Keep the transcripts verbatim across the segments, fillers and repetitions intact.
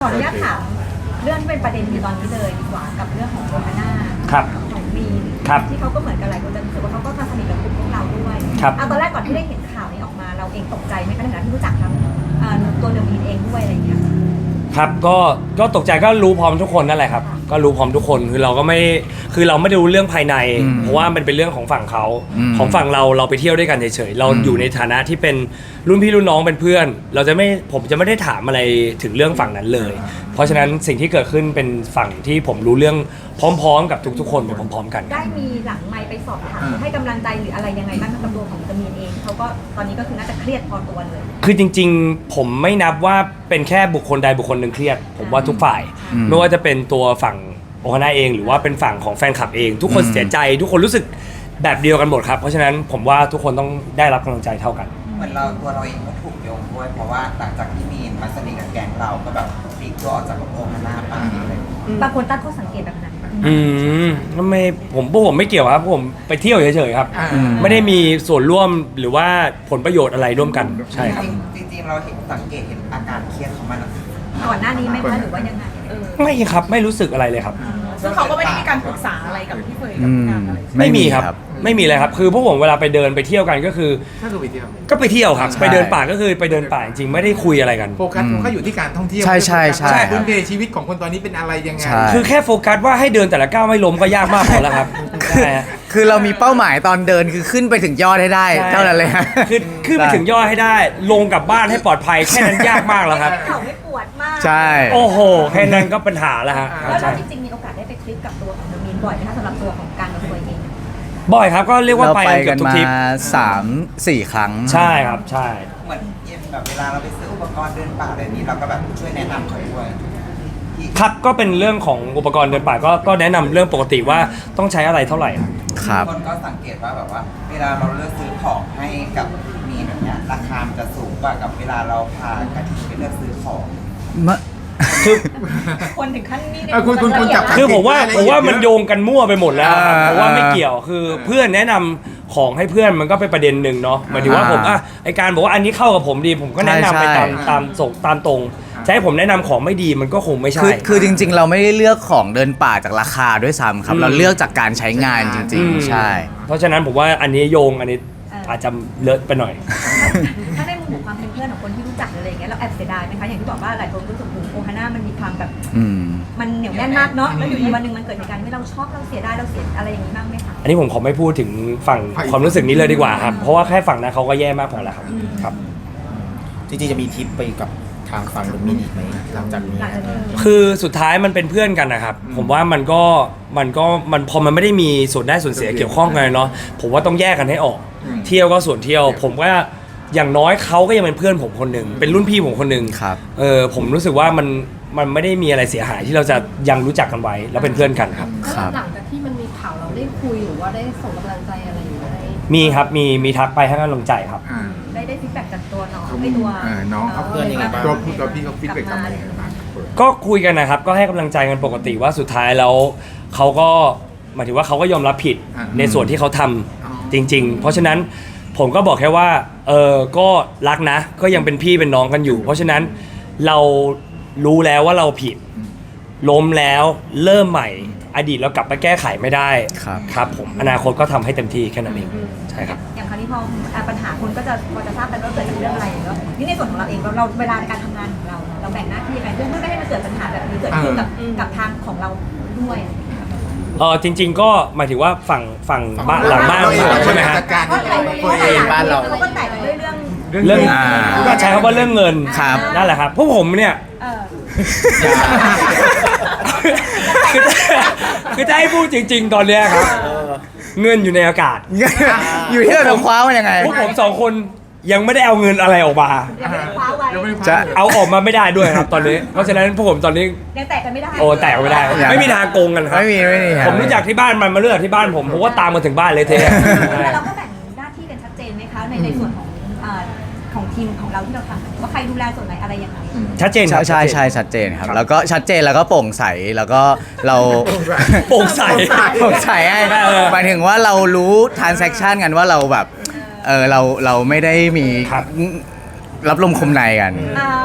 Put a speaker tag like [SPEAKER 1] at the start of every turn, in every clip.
[SPEAKER 1] ขออนุญาตถามเรื่องเป็นประเด็นอยู่ตอนนี้เลยดีกว่ากับเรื่องของโอฮาน่าของมีนที่เขาก็เหมือนกันหลายคนจะรู้สึกว่าเขาก็มาสนิทกับกลุ่มพวกเราด้วยเอาตอนแรกก่อนที่ได้เห็นข่าวนี้ออกมาเราเองตกใจไหมคะในฐานะที่รู้จักทั้งตัวเดอะมีนเองด้วยอะไรอย่างเงี้ย
[SPEAKER 2] ครับก็ก็ตกใจก็รู้พร้อมทุกคนนั่นแหละครับก็รู้พร้อมทุกคนคือเราก็ไม่คือเราไม่ได้รู้เรื่องภายในเพราะว่ามันเป็นเรื่องของฝั่งเขาของฝั่งเราเราไปเที่ยวด้วยกันเฉยๆเราอยู่ในฐานะที่เป็นรุ่นพี่รุ่นน้องเป็นเพื่อนเราจะไม่ผมจะไม่ได้ถามอะไรถึงเรื่องฝั่งนั้นเลยเพราะฉะนั้นสิ่งที่เกิดขึ้นเป็นฝั่งที่ผมรู้เรื่องพร้อมๆกับทุกๆคนไปพร้อมๆกัน
[SPEAKER 1] ได้มีหลังไมค์ไปสอบถามให้กำลังใจหรืออะไรยังไงบ้างกับตัวของเดอะมีนเองเขาก็ตอนนี้ก็คือน่าจะเครียดพอตัวเลย
[SPEAKER 2] คือจริงๆผมไม่นับว่าเป็นแค่บุคคลใดบุคคลหนึ่งเครียดผมว่าทุกฝ่ายไม่ว่าจะเป็นตัวฝั่งโอฮาน่าเองหรือว่าเป็นฝั่งของแฟนคลับเองทุกคนเสียใจทุกคนรู้สึกแบบเดียวกันหมดครับเพราะฉะนั้นผมว่าทุกคนต้องได้รับกำลังใจเท่ากัน
[SPEAKER 3] เหมือนเราตัวเราเองก็ถูกโยงด้วยเพราะว่าหลังจากที่มีนมาสนิทกับแก๊งเราก็แบบพลิกตัวออกจากโอฮาน่าไปอะไร
[SPEAKER 1] บางคนตั้งข้อสังเกตแบบนั้น
[SPEAKER 2] อืมไม่ผมพวกผมไม่เกี่ยวครับผมไปเที่ยวเฉยๆครับไม่ได้มีส่วนร่วมหรือว่าผลประโยชน์อะไรร่วมกันใช่ครับ
[SPEAKER 3] จริงๆเราเห็นสังเกตเห็นอาการเครียดของมัน
[SPEAKER 1] ก่อนหน้านี้ไหมคะหรือว่ายังไง
[SPEAKER 2] ไม่ครับไม่รู้สึกอะไรเลยครับ
[SPEAKER 1] ซึ่งเขาก็ไม่ได้มีการปรึกษาอะไรกับพี่เฟยกับการอะไร
[SPEAKER 2] ไม่มีครับไม่มีเลยครับคือพวกผมเวลาไปเดินไปเที่ยวกันก็คือ
[SPEAKER 4] ก็คือไปเที่ยว
[SPEAKER 2] ก็ไปเที่ยวครับไปเดินป่าก็คือไปเดินป่าจริงไม่ได้คุยอะไรกัน
[SPEAKER 4] โฟกัสก็อยู่ที่การท่องเที่ยว
[SPEAKER 5] ใช่ใช่ใช่
[SPEAKER 4] พื้นเพชีวิตของคนตอนนี้เป็นอะไรยังไง
[SPEAKER 2] คือแค่โฟกัสว่าให้เดินแต่ละก้าวไม่ล้มก็ยากมากพอแล้วครับ
[SPEAKER 5] คือเรามีเป้าหมายตอนเดินคือขึ้นไปถึงยอดให้ได้เท่านั้นเลย
[SPEAKER 2] คือขึ้นไปถึงยอดให้ได้ลงกลับบ้านให้ปลอดภัยแค่นั้นยากมากแล้วครับ
[SPEAKER 1] เขาไม่ปวดมาก
[SPEAKER 5] ใช่
[SPEAKER 2] โอ้โหแค่นั้นก็ปัญหาแล้วฮะ
[SPEAKER 1] แล้วจริงๆมีโอกาสได้ไปทริปกับตัวของเดอะมีนบ่อยไหมคะสำหรับตัวของการกับตัวเอง
[SPEAKER 2] บ่อยครับก็เรียกว่าไป
[SPEAKER 5] กันมาสามสี่ครั้ง
[SPEAKER 2] ใช่ครับใช่
[SPEAKER 3] เหมือนแบบเวลาเราไปซื้ออุปกรณ์เดินป่าอะไรนี้เราก็แบบช่วยแนะนำเขาด้วย
[SPEAKER 2] ครับก็เป็นเรื่องของอุปกรณ์เดินป่าก็ก็แนะนำเรื่องปกติว่าต้องใช้อะไรเท่าไหร่
[SPEAKER 5] ครับ
[SPEAKER 3] คนก็สังเกตว่าแบบว่าเวลาเราเลือกซื้อของให้กับมีแบบเนี้ยราคามันจะสูงกว่ากับเวลาเราพากระถิ่นไปเลือกซื้อของ
[SPEAKER 2] คือ
[SPEAKER 1] คนถึงขั้นนี้
[SPEAKER 4] เนี่ยคุณคุณคุณจับ
[SPEAKER 2] คือผมว่าผมว่ามันโยงกันมั่วไปหมดแล้วเพราะว่าไม่เกี่ยวคือเพื่อนแนะนำของให้เพื่อนมันก็เป็นประเด็นหนึ่งเนาะหมายถึงว่าผมอ่ะไอการบอกว่าอันนี้เข้ากับผมดีผมก็แนะนำไปตามตามส่งตามตรงจะให้ผมแนะนำของไม่ดีมันก็คงไม่ใช่
[SPEAKER 5] คือคือจริงๆเราไม่ได้เลือกของเดินป่าจากราคาด้วยซ้ำครับเราเลือกจากการใช้งานจริงๆใช่
[SPEAKER 2] เพราะฉะนั้นผมว่าอันนี้โยงอันนี้อาจจะเลอะไปหน่อย
[SPEAKER 1] ถ้าในมุมของความเป็นเพื่อนของคนที่รู้จักอะไรอย่างเงี้ยเราแอบเสียดายไหมคะอย่างที่บอกว่าหลายคนรู้สึกว่าโอฮาน่ามันมีความแบบมันเหนียวแน่นมากเนาะแล้วอยู่ดีวันหนึ่งมันเกิดเหตุการณ์ที่เราชอบเราเสียดายเราเสียอะไรอย่างนี้บ้างไหมคะ
[SPEAKER 2] อันนี้ผมขอไม่พูดถึงฝั่งความรู้สึกนี้เลยดีกว่าครับเพราะว่าแค่ฝั่งนั้นเขาก็แย่มากพอแล้วครับครับ
[SPEAKER 6] จริงๆจะมีทริปไปกับทางฝั่งเดอะมีนอีกไหมหลังจากนี้
[SPEAKER 2] คือสุดท้ายมันเป็นเพื่อนกันนะครับผมว่ามันก็มันก็มันพอมันไม่ได้มีส่วนได้ส่วนเสียเกี่ยวข้องกันเนาะผมว่าต้องแยกกันให้ออกเที่ยวก็ส่วนเที่ยวผมว่าอย่างน้อยเขาก็ยังเป็นเพื่อนผมคนหนึ่งเป็นรุ่นพี่ผมคนหนึ่งเออผมรู้สึกว่ามันมันไม่ได้มีอะไรเสียหายที่เราจะยังรู้จักกันไว้แล้วเป็นเพื่อนกันครับ
[SPEAKER 7] หลังจากที่มันมีข่าวเราได้คุยหรือว่าได้ส่งกำลังใจอะไรอยู่ไหม
[SPEAKER 2] มีครับมีมีทักไปให้กำลังใจครับ
[SPEAKER 1] ได้ได้ฟีดแบ็กจากตัวน้องไม่ตัว
[SPEAKER 4] น้องเขาเพื่อนยังไงบ้างตัวพี่ตัวพี่เขาฟีดแบ็กกลับมาอย่างไรบ้าง
[SPEAKER 2] ก็คุยกันนะครับก็ให้กำลังใจกันปกติว่าสุดท้ายแล้วเขาก็หมายถึงว่าเขาก็ยอมรับผิดในส่วนที่เขาทำจริงๆเพราะฉะนั้นผมก็บอกแค่ว่าเออก็รักนะก็ยังเป็นพี่เป็นน้องกันอยู่เพราะฉะนั้นเรารู้แล้วว่าเราผิดล้มแล้วเริ่มใหม่อดีตเรากลับไปแก้ไขไม่ได้ครับผมอนาคตก็ทำให้เต็มที่แค่นั้นเองใช่ครับ
[SPEAKER 1] อย่างคราวนี้พอปัญหาคนก็จะพอจะทราบกันว่าเกิดจากเรื่องอะไรแล้วนี่ในส่วนของเราเองเราเวลาในการทำงานของเราเราแบ่งหน้าที่ยังไงเพื่อไม่ให้มันเกิดปัญหาแบบนี้เกิดขึ้นกับกับทางของเราด้วย
[SPEAKER 2] เออจริงๆก็หมายถึงว่าฝั่งฝั่งบ้านหลังบ้านใช่ไหมฮะ
[SPEAKER 1] ตัวเองบ้านเราเขาก็แตกด้วยเรื่อง
[SPEAKER 2] เรื่องก็ใช้คำว่าเรื่องเงินนั่นแหละครับพวกผมเนี่ยคือจะให้พูดจริงๆตอนนี้ครับเงินอยู่ในอากาศ
[SPEAKER 5] อยู่ที่เราจะคว้ามันยังไง
[SPEAKER 2] พวกผมสองคนยังไม่ได้เอาเงินอะไรออกมาจะเอาออกมาไม่ได้ด้วยครับตอนนี้เพราะฉะนั้นพวกผมตอนนี้
[SPEAKER 1] ยังแตกกันไม่ได้
[SPEAKER 2] โอ้แตกไม่ได้ไม่มีทางโกงกันครับ
[SPEAKER 5] ไม่มีไม่มี
[SPEAKER 2] ผมรู้จักที่บ้านมันมาเลือกที่บ้านผมเพราะว่าตามมาถึงบ้านเลยเท
[SPEAKER 1] แต่เราก็แบ่งหน้าที่กันชัดเจนไหมคะในในส่วนของของทีมของเราที่เราทำว่าใครดูแลส่วนไหนอะไรยังไง
[SPEAKER 2] ชัดเจน
[SPEAKER 5] ใช่ใช่ใช่ชัดเจนครับแล้วก็ชัดเจนแล้วก็โปร่งใสแล้วก็เรา
[SPEAKER 2] โปร่งใส
[SPEAKER 5] โปร่งใสหมายถึงว่าเรารู้ transaction กันว่าเราแบบเออเราเราไม่ได้มีรับลมคมในกัน
[SPEAKER 1] อ่า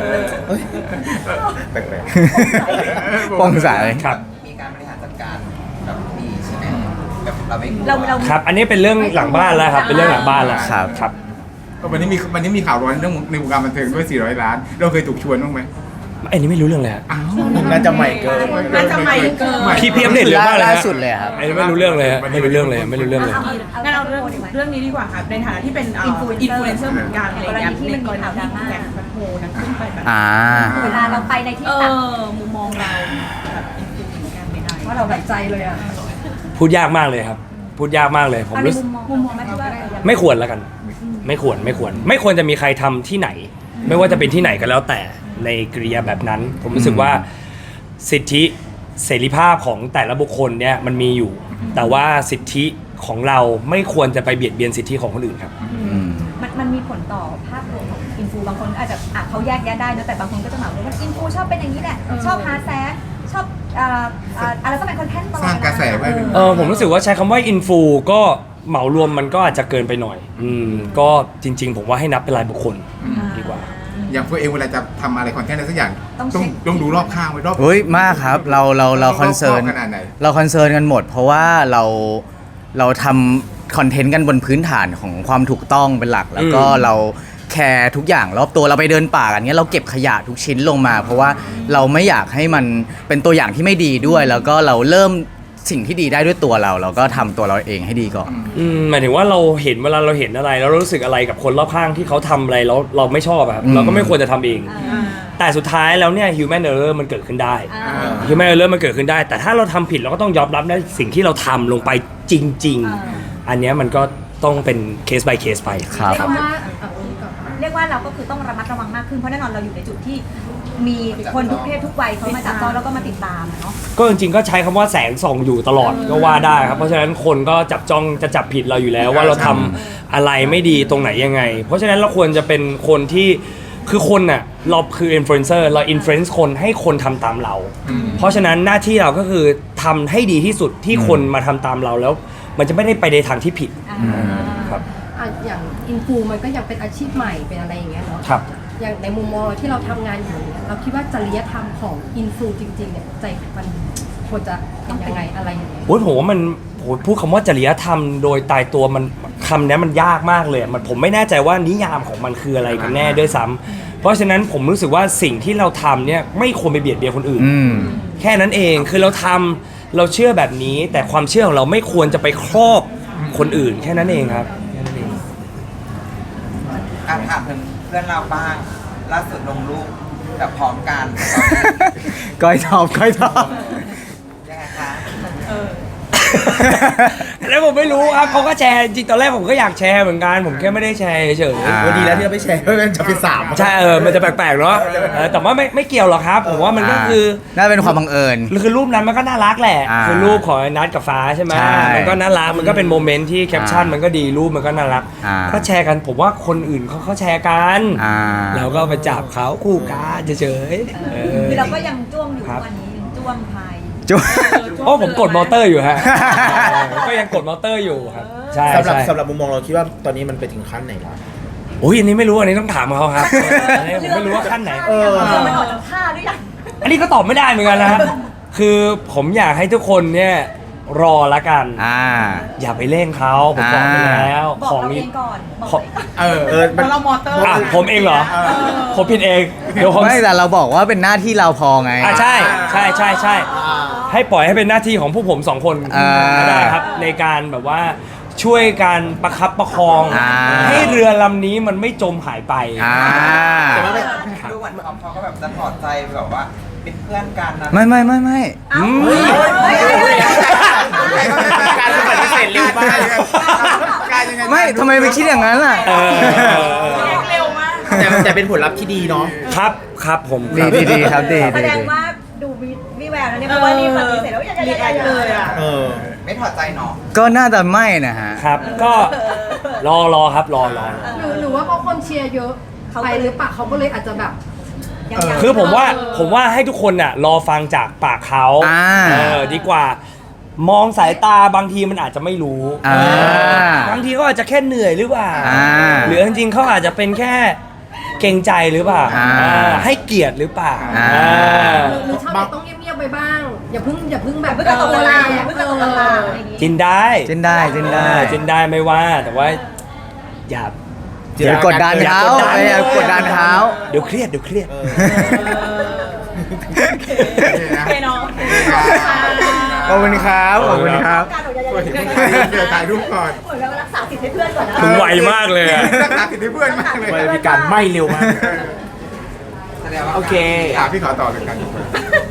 [SPEAKER 4] แปลก
[SPEAKER 5] โปร่งใส
[SPEAKER 2] ครับ
[SPEAKER 3] มีการบริหารจัดการแบบดีใช่ไหมแบบเราไม่
[SPEAKER 1] เราเรา
[SPEAKER 2] ครับ อันนี้เป็นเรื่องหลังบ้านแล้วครับ เป็นเรื่องหลังบ้านแล้ว
[SPEAKER 5] ครับ
[SPEAKER 2] ครับ
[SPEAKER 4] ๆวันนี้มีวันนี้มีข่าวร้อนเรื่องในวงการบันเทิงด้วยสี่ร้อยล้าน เราเคยถูกชวนบ้างไหม
[SPEAKER 2] อันนี้ไม่รู้เรื่องเลยฮะ
[SPEAKER 4] อ้าว
[SPEAKER 6] น่าจะใหม่เกิน
[SPEAKER 7] น่าจะใหม่เกิน
[SPEAKER 4] ไม่
[SPEAKER 2] พี่พี่อัปเดตเร็วมากเลย
[SPEAKER 5] ล่า
[SPEAKER 2] ฮะ
[SPEAKER 5] สุดเลยครับ
[SPEAKER 2] อันนี้ไม่รู้เรื่องเลยฮะไม่รู้เรื่องเลยไม่รู้เรื่องเลย
[SPEAKER 8] งั้นเอาเรื่องเรื่องนี้ดีกว่าค่ะในฐานะที่เป็นอินฟลูเอนเซอร์เหมือนกันอะไรเงี้ยในกรณีที่แบ็คแบ็คโฮนั้นขึ้นไปแบบ
[SPEAKER 5] อ่า
[SPEAKER 1] เวลาเราไปในที่
[SPEAKER 8] เอ
[SPEAKER 1] ต่าง
[SPEAKER 8] อมุมมองเราแบบอินฟลูเหมือนกันไม่ได้
[SPEAKER 7] ว่าเราแบบใจเลยอ่ะ
[SPEAKER 2] พูดยากมากเลยครับ พูดยากมากเลย ผม
[SPEAKER 1] เอาใน
[SPEAKER 2] รู้สึ
[SPEAKER 1] มุ
[SPEAKER 2] ก
[SPEAKER 1] มมองมุมมองไหมที่ว่าเออ
[SPEAKER 2] ไม่ควรแล้วกัน ไม่ควรไม่ควร ไม่ควรจะมีใครทำที่ไหน ไม่ว่าจะเป็นที่ไหนก็แล้วแต่ในกริยาแบบนั้น ผมรู้สึกว่าสิทธิเสรีภาพของแต่ละบุคคลเนี่ยมันมีอยู่ แต่ว่าสิทธิของเราไม่ควรจะไปเบียดเบียนสิทธิของคนอื่นครับ
[SPEAKER 5] อืม
[SPEAKER 1] มันมันมีผลต่อภาพรวมของอินฟูบางคนอาจจะอ่ะเขาแยกแยะได้นะแต่บางคนก็จะเหมาว่าอินฟูชอบเป็นอย่างนี้แหละ ชอบหาแซะชอบเอ่อเอ่ออะไรต้องเป็นคอนเทนต์ตลอด
[SPEAKER 4] สร้างกระแสไว้
[SPEAKER 2] เออผมรู้สึกว่าใช้คำว่าอินฟูก็เหมารวมมันก็อาจจะเกินไปหน่อย อืมก็จริง ๆ ผมว่าให้นับเป็นรายบุคคลดีกว่า
[SPEAKER 4] อย่างพวกเองเวลาจะทำอะไรคอนเทนต์อะไรสักอย่างต้องต้องดูรอบข้างไว้รอบ
[SPEAKER 5] เฮ้ยมากครับเราเราเราคอนเซิร์น
[SPEAKER 4] ขนาดไหน
[SPEAKER 5] เราคอนเซิร์นกันหมด เพราะว่าเราเราทำคอนเทนต์กันบนพื้นฐานของความถูกต้องเป็นหลัก แล้วก็
[SPEAKER 2] อืม
[SPEAKER 5] เราแคร์ทุกอย่างรอบตัวเราไปเดินป่ากันเนี้ยเราเก็บขยะทุกชิ้นลงมา เพราะว่าเราไม่อยากให้มันเป็นตัวอย่างที่ไม่ดีด้วย แล้วก็เราเริ่มสิ่งที่ดีได้ด้วยตัวเรา เราก็ทำตัวเราเองให้ดีก่อน
[SPEAKER 2] อืมหมายถึงว่าเราเห็นเวลาเราเห็นอะไรแล้วเรารู้สึกอะไรกับคนรอบข้างที่เขาทำอะไรแล้วเราไม่ชอบอะครับ
[SPEAKER 5] อืม
[SPEAKER 2] เราก็ไม่ควรจะทำเอง
[SPEAKER 1] อ่า
[SPEAKER 2] แต่สุดท้ายแล้วเนี่ย human error มันเกิดขึ้นได้
[SPEAKER 1] อ่า
[SPEAKER 2] human error มันเกิดขึ้นได้ แต่ถ้าเราทำผิดเราก็ต้องยอมรับในสิ่งที่เราทำลงไปจริง
[SPEAKER 1] อ่า
[SPEAKER 2] ๆ อันเนี้ยมันก็ต้องเป็นเคส by เคสไป
[SPEAKER 5] ครับ
[SPEAKER 1] เรียกว่า
[SPEAKER 7] เอาเอาก่อน
[SPEAKER 1] เรียกว่าเราก็คือต้องระมัดระวังมากขึ้นเพราะแน่นอนเราอยู่ในจุดที่มีคนทุกเพศทุกวัยเขามาจับต้องแล้วก็มาติดตามอะเนาะ
[SPEAKER 2] ก็จริงๆก็ใช้คำว่าแสงส่องอยู่ตลอดก็ว่าได้ครับ เพราะฉะนั้นคนก็จับจ้องจะจับผิดเราอยู่แล้วว่าเราทำอะไรไม่ดีตรงไหนยังไง เพราะฉะนั้นเราควรจะเป็นคนที่คือคนน่ะเราคืออินฟลูเอนเซอร์เราอินฟลูเอนซ์คนให้คนทำตามเรา เพราะฉะนั้นหน้าที่เราก็คือทำให้ดีที่สุดที่คนมาทำตามเราแล้ว มันจะไม่ได้ไปในทางที่ผิด
[SPEAKER 1] อ่า
[SPEAKER 2] ครับ
[SPEAKER 7] อ่ะอย่างอินฟูมันก็ยังเป็นอาชีพใหม่เป็นอะไรอย่างเงี้ยเนาะ
[SPEAKER 2] ครับ
[SPEAKER 7] อย่างในมุมมองที่เราทำงานอยู่เนี่ยเราคิดว่าจริยธรรมของอินฟูจริงๆเนี่ยใจมันควรจะเป็นยังไงอะไรยังไง
[SPEAKER 2] โอ้ยผมว่ามันโอ้ยพูดคำว่าจริยธรรมโดยตายตัวมันคำนี้มันยากมากเลยมันผมไม่แน่ใจว่านิยามของมันคืออะไรกันแน่ด้วยซ้ำเพราะฉะนั้นผมรู้สึกว่าสิ่งที่เราทำเนี่ยไม่ควรไปเบียดเบียนคนอื่น
[SPEAKER 5] อืม
[SPEAKER 2] แค่นั้นเองคือเราทำเราเชื่อแบบนี้ แต่ความเชื่อของเราไม่ควรจะไปครอบคนอื่น แค่นั้นเองครับแค่นั้นเอง
[SPEAKER 3] อ่ะถามถึงเพื่อนเราบ้างล่าสุดลงรูปแบบพร้อมกัน
[SPEAKER 5] ก้อยทอบก้อยทอบ
[SPEAKER 3] ยังไงคะ
[SPEAKER 2] แล้วผมไม่รู้ครับเขาก็แชร์จริงตอนแรกผมก็อยากแชร์เหมือนกันผมแค่ไม่ได้แชร์เฉย
[SPEAKER 5] อ่า
[SPEAKER 6] วันดีแล้วที่เราไม่แชร์เพราะมันจะเป็นสาม
[SPEAKER 2] ๆใช่เออมันจะแปลกๆเนาะเออแต่ว่าไม่ไม่เกี่ยวหรอกครับผมว่ามันก็คือ
[SPEAKER 5] น่าเป็นความบังเอิญ
[SPEAKER 2] คือรูปนั้นมันก็น่ารักแหละ
[SPEAKER 5] อ่า
[SPEAKER 2] คือรูปของไอ้นัทกับฟ้าใช่ไหม
[SPEAKER 5] ใช่
[SPEAKER 2] มันก็น่ารักมันก็เป็นโมเมนต์ที่แคปชั่น
[SPEAKER 5] อ่ามั
[SPEAKER 2] มันก็ดีรูปมันก็น่ารัก
[SPEAKER 5] อ่า
[SPEAKER 2] ก็แชร์กันผมว่าคนอื่นเขาเขาแชร์กัน
[SPEAKER 5] อ่า
[SPEAKER 2] เราก็ไปจับเขาคู่กันเฉยๆเออ
[SPEAKER 1] คือเราก็ยังจ้วงอยู่
[SPEAKER 2] ครับ
[SPEAKER 1] วันนี้ยังจ้วงพาย
[SPEAKER 5] จุ๊บ
[SPEAKER 2] โอ้ผมกดมอเตอร์อยู่ฮะ ผมก็ยังกดมอเตอร์อยู่ครับใช่
[SPEAKER 6] สำหรับ
[SPEAKER 2] ใช่
[SPEAKER 6] สำหรับมุมมองเราคิดว่าตอนนี้มันไปถึงขั้นไหนแล้ว
[SPEAKER 2] โอ้ยอันนี้ไม่รู้อันนี้ต้องถามเขาครับอันนี้ผมไม่รู้ว่าขั้นไหน
[SPEAKER 6] เออ
[SPEAKER 1] เออมันออกจากท่าหรือยัง
[SPEAKER 2] อันนี้ก็ตอบไม่ได้เหมือนกันนะฮะคือผมอยากให้ทุกคนเนี่ยรอละกัน
[SPEAKER 5] อ่า
[SPEAKER 2] อย่าไปเร่งเขาผมบอกไปแล้ว
[SPEAKER 1] บอก
[SPEAKER 2] ของ
[SPEAKER 1] เรา
[SPEAKER 2] นี้
[SPEAKER 1] เองก่อนบอก
[SPEAKER 2] ของ
[SPEAKER 6] เออเออมัน
[SPEAKER 8] เรามอเตอร์
[SPEAKER 2] อ่ะผมเองเหรอ ผมผิดเองเดี๋ยวผม
[SPEAKER 5] ไม่แต่เราบอกว่าเป็นหน้าที่เราพอไง
[SPEAKER 2] อ่ะใช่ใช่ใช่ใช่ให้ปล่อยให้เป็นหน้าที่ของพวกผมสองคน
[SPEAKER 5] อ่า
[SPEAKER 2] ก็ได้ครับในการแบบว่าช่วยการประคับประคอง
[SPEAKER 5] อ่า
[SPEAKER 2] ให้เรือลำนี้มันไม่จมหายไป
[SPEAKER 5] อ่า
[SPEAKER 3] แต่ว่าดูเหมือนเขาเขาก็แบบจะถอดใจแบบว่าเป็นเพื่อนกันนะ
[SPEAKER 5] ไม่ไม่ไม่ไม่
[SPEAKER 2] อืม
[SPEAKER 6] การปฏิเสธเร็วมาก
[SPEAKER 4] การยังไง
[SPEAKER 5] ไม่ทำไมไปคิดอย่างนั้นล่ะ
[SPEAKER 2] เออเออเออ
[SPEAKER 8] เร็วมาก
[SPEAKER 6] แต่แต่เป็นผลลัพธ์ที่ดีเนาะ
[SPEAKER 2] ครับครับผมค
[SPEAKER 5] ดี
[SPEAKER 2] รับ
[SPEAKER 5] ดีดีครับดี
[SPEAKER 1] แส
[SPEAKER 5] ดี
[SPEAKER 1] ดง
[SPEAKER 5] ดี
[SPEAKER 1] ว่าดูมีมีแววนะเนี่ยเพราะว่านี่ปฏิเสธแล้วยัง
[SPEAKER 8] รีแอคเลยอ่ะ
[SPEAKER 6] เออ
[SPEAKER 3] ไม่ถอดใจเนาะ
[SPEAKER 5] ก็น่าจะไม่นะฮะ
[SPEAKER 2] ครับก็รอรอครับรอรอ
[SPEAKER 7] หรือหรือว่าเพราะคนเชียร์เยอะไปหรือเปล่าเขาก็เลยอาจจะแบบ
[SPEAKER 1] ยังยัง
[SPEAKER 2] คือผมว่าผมว่าให้ทุกคนน่ะรอฟังจากปากเขา
[SPEAKER 5] อ่า
[SPEAKER 2] เออดีกว่ามองสายตาบางทีมันอาจจะไม่รู้
[SPEAKER 5] อ่า
[SPEAKER 2] บางทีเขาอาจจะแค่เหนื่อยหรือเปล่า
[SPEAKER 5] อ่า
[SPEAKER 2] หรือจริงๆเขาอาจจะเป็นแค่เกรงใจหรือเปล่า
[SPEAKER 5] อ่า
[SPEAKER 2] อ่าให้เกียรติหรือเปล่า
[SPEAKER 5] อ่า
[SPEAKER 2] อ่า
[SPEAKER 7] หรือชอบแต่ต้องเงียบๆไปบ้าง อย่าเพิ่งอย่าเพิ่งแบบ
[SPEAKER 1] เพิ่งกระตกกระลาเพิ่งกระตกกระลาอะไรอย่างงี้
[SPEAKER 2] จินได้
[SPEAKER 5] จินได้จินได้
[SPEAKER 2] จินได้ไม่ว่าแต่ว่าอย่า
[SPEAKER 5] อย่ากดดันเขา
[SPEAKER 2] อย่ากดดัน
[SPEAKER 5] อย่ากดดันเขา
[SPEAKER 2] เดี๋ยวเครียดเดี๋ยวเครียด
[SPEAKER 8] โอเคเนาะ
[SPEAKER 5] ขอบคุณครับ ขอบคุณครับ
[SPEAKER 1] การออกจาก
[SPEAKER 4] เห็น
[SPEAKER 1] เห
[SPEAKER 4] เดี๋ยวถ่ายรูปก่อน
[SPEAKER 1] มือนกับว่ารักษาสิทธิ์ให้เพื่อนก่อนนะ
[SPEAKER 2] มึงไวมากเลยอะ
[SPEAKER 4] รักษาสิทธิ์ให้เพื่อนมากเลย
[SPEAKER 6] พี่การไม่เร็วมาก
[SPEAKER 3] แสดงว่า
[SPEAKER 6] โอเค
[SPEAKER 4] อ่ะพี่ขอต่อเลยกัน